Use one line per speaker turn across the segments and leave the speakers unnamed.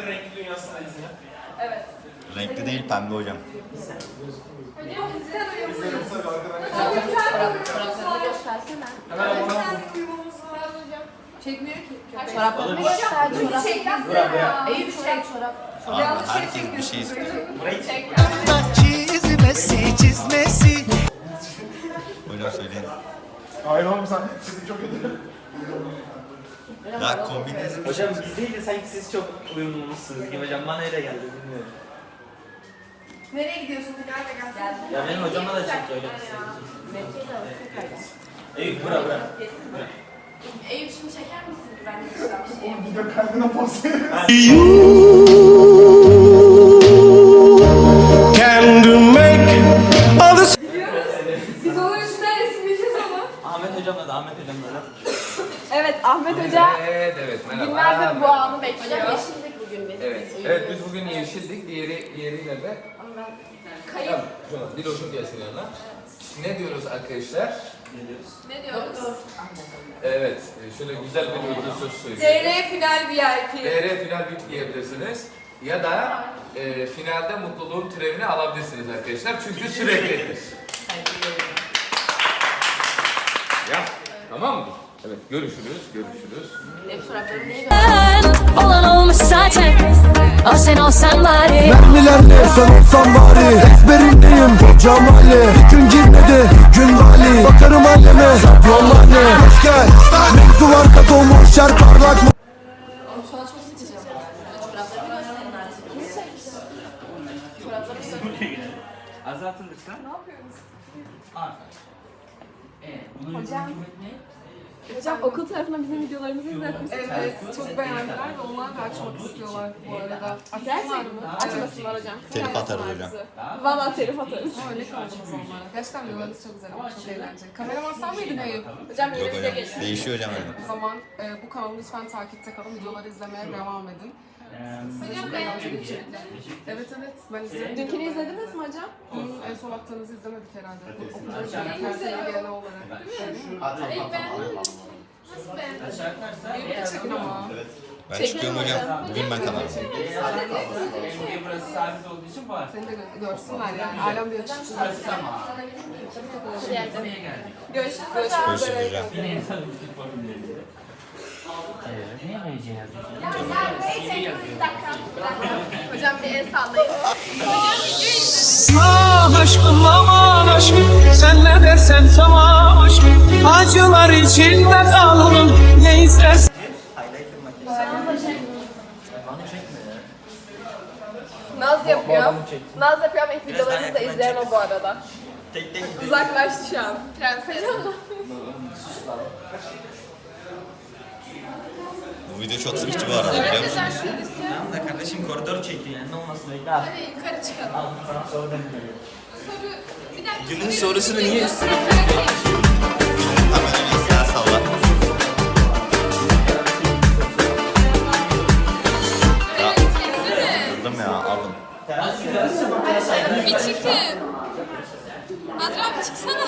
renkli dünyasındayız ya.
Evet.
Renkli değil, pembe hocam.
Hocam bizden uyuyoruz.
Çoraplarını göstersene.
Hemen ona
Çekmiyor ki.
Çoraplarını göster. Çorap.
Eyüp çorap.
Abi herkes bir şey istiyor.
Çizmesi.
Hocam söyleyin.
Hayır oğlum sen sesin çok kötü.
Ya kombiniz
Hocam biz değil de sanki siz çok uyumlusunuz gibi hocam. Bana öyle geldi bilmiyorum.
Nereye gidiyorsun? Nerede gelsin?
Ya benim hocama da çekti hocam. Eyüp bura.
Eyüp şimdi çeker misin? Ben de bir şey.
Oğlum video kaydına poz verin.
Biz onun üstüne resimleyeceğiz onu.
Ahmet hocamla da Ahmet hocamla da.
Evet Ahmet Hoca
Evet merhaba.
günlerdir bu anı bekliyor.
Yeşillik bugün biz.
Evet biz bugün yeşildik. Diğeri nerede?
Kayıp.
Tamam. Şuna bir otur gelsin yanına. Ne diyoruz arkadaşlar?
Ne diyoruz?
Evet. Şöyle güzel bir uygun söz söyleyeyim.
TR final VIP.
TR final bit diyebilirsiniz. Ya da finalde mutluluğun türevini alabilirsiniz arkadaşlar. Çünkü süreklidir. Ya tamam mı? Evet görüşürüz.
Benim çoraplarımı niye gördün?
Olan olmuş zaten. O sen olsan bari.
Mermilerle sen olsan bari. Ezberindeyim hocam Ali. Gün girmedi gün vali. Bakarım aleme yol anne. Hoş gel. Mevzu var kat olmuş yer parlak mı?
Şu an çok sıkacağım. Çoraplarımı gösterin artık. Kimi çeksin? Çoraplarımı gösterin.
Azaltın lütfen.
Ne yapıyorsunuz?
Hocam. Hocam okul tarafından bizim videolarımızı izletmişsiniz.
Evet, çok beğendiler ve onlar da açmak istiyorlar bu arada.
Gerçekten mi? Açmasınlar hocam.
telif atarız hocam.
Valla telif atarız.
Öyle kaldınız onlara. Gerçekten videolarınız çok güzel ama çok eğlenceli. Kameraman sen miydin Eyüp?
Hocam
Yok
yine bize
hocam.
geliyor.
Değişiyor hocam öyle.
O zaman bu kanalı lütfen takipte kalın. Videoları izlemeye devam edin. Size çok eğlenceli içerikler. Evet evet, ben izledim.
Dünkünü izlediniz mi hocam?
Dün en son attığınızı izlemedik herhalde. Okulda her sene genel olarak.
İlk beğendin mi? Nasıl beğendin?
Eyüp'ü çekin ama.
Ben çıkıyorum hocam. Bugün ben kalamam.
Burası sabit olduğu için var.
Seni de görsünler yani. Alem diye çıksın.
Tamam.
Görüşürüz
Görüşürüz hocam.
Yine insan ilişki formülleri. Ne yapacağız?
Hocam bir el sallayın.
Ah aşkım aman aşkım. Sen ne dersen tamam aşkım. Acılar içinde kaldım. Ne istersen.
Naz yapıyor. Naz yapıyor ama ilk videolarımızı da izleyen o bu arada.
Tek
Uzaklaştı şu an. Prenses.
Bu video çok sıkıcı bu arada biliyor musun?
Tamam da kardeşim koridor çekiyor yani ne olmasın bekle. Hadi
Yukarı çıkalım.
al sana soru demiyorum.
Bir dakika.
Günün sorusunu niye üstüne?
Hemen öyle silah salla. Ya, kırdım ya alın.
Bir çıkın. Azra abi çıksana.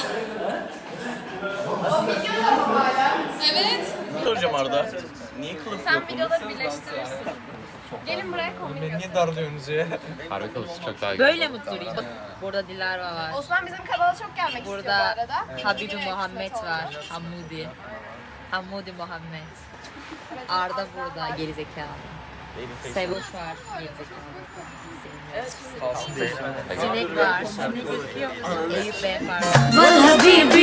O videoda mı hala? Evet.
Soracağım Arda. Niye kılıf
Sen videoları birleştirirsin. Gelin buraya kombin göster.
Niye darlıyorsunuz ya? Harbi kılıfı çok daha
Böyle mi durayım? Burada Dilara var.
Osman bizim kanala çok gelmek istiyor bu
Burada
arada.
Habibi Muhammed var. Hamudi. Hamudi Muhammed. Arda burada gerizekalı. Sevuş var gerizekalı. Sinek var. Sinek gözüküyor mu? Eyüp Bey var.
Vallahi